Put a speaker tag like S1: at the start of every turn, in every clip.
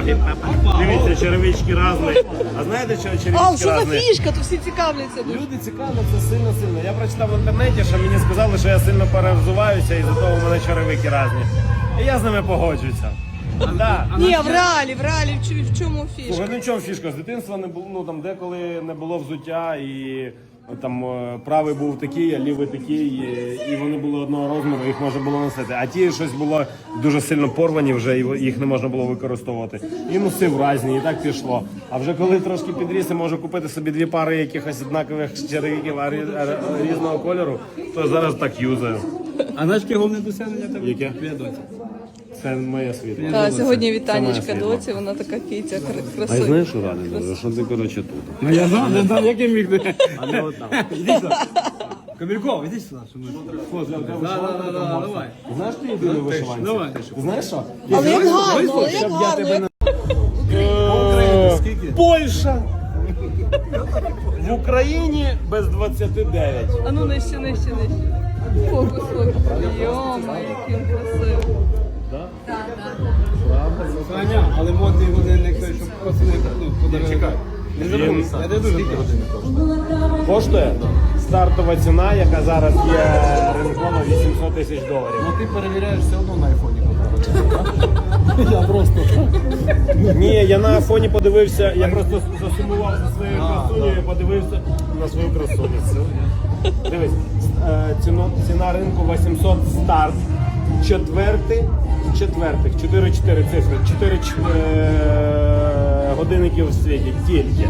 S1: ноги. Дивіться, черевички різні. А знаєте, що черевички
S2: А,
S1: різні?
S2: що за фішка? То всі цікавляться.
S1: Люди цікавляться сильно-сильно. Я прочитав в інтернеті, що мені сказали, що я сильно перевзуваюся, і за того в мене черевики різні. І я з ними погоджуюся. Да.
S2: Ні, в реалі, в чому фішка?
S1: Слухай, ну в чому фішка? З дитинства не було, ну там деколи не було взуття, і там правий був такий, а лівий такий, і вони були одного розміру, їх можна було носити. А ті щось було дуже сильно порвані вже, і їх не можна було використовувати. І носив різні, і так пішло. А вже коли трошки підріс і можу купити собі дві пари якихось однакових черевиків різного кольору, то зараз так юзаю.
S3: А знаєш, яке головне досягнення тебе?
S1: Яке?
S3: Твоя доця.
S1: Це моє світло.
S2: Та, сьогодні
S1: Це
S2: вітанечка
S1: моє
S2: доці, вона така кітя,
S4: А я
S2: красива.
S4: знаєш, що радий дуже? Що ти, коротше, тут.
S3: Ну я знав, не знав, як я міг.
S4: А не от там.
S3: Іди сюди. Камільков, іди сюди, що ми фото. Давай.
S1: Знаєш, ти єдиний вишиванці?
S3: Давай.
S1: Ти знаєш що?
S2: Але як гарно, але як гарно.
S1: Польща! В Україні без 29.
S2: А ну нижче. Фокус. Йома, який він красивий.
S3: Саня, але модний годинник той, щоб пацани подарили.
S1: Чекай.
S3: Не забудь, я не дуже годинник коштує.
S1: Коштує стартова ціна, яка зараз є ринком $800 тисяч.
S3: Ну ти перевіряєш все одно на айфоні. Я просто.
S1: Ні, я на айфоні подивився, я просто засумував за своєю красунею і подивився на свою красуню. Дивись, ціна ринку 800 старт. Четвертих, 4 цифри, 4 годинники в світі, тільки.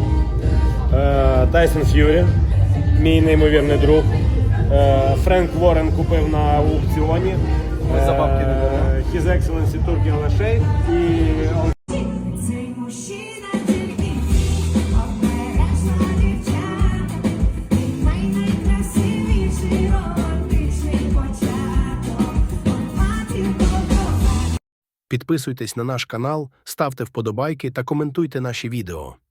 S1: Тайсон Ф'юрі, мій неймовірний друг. Френк Ворен купив на аукціоні. His Excellency Turkey Lashey і
S5: Цей мужчина тільки обережна дівчата, найкрасивіший романтичний початок, матір доброго.
S6: Підписуйтесь на наш канал, ставте вподобайки та коментуйте наші відео.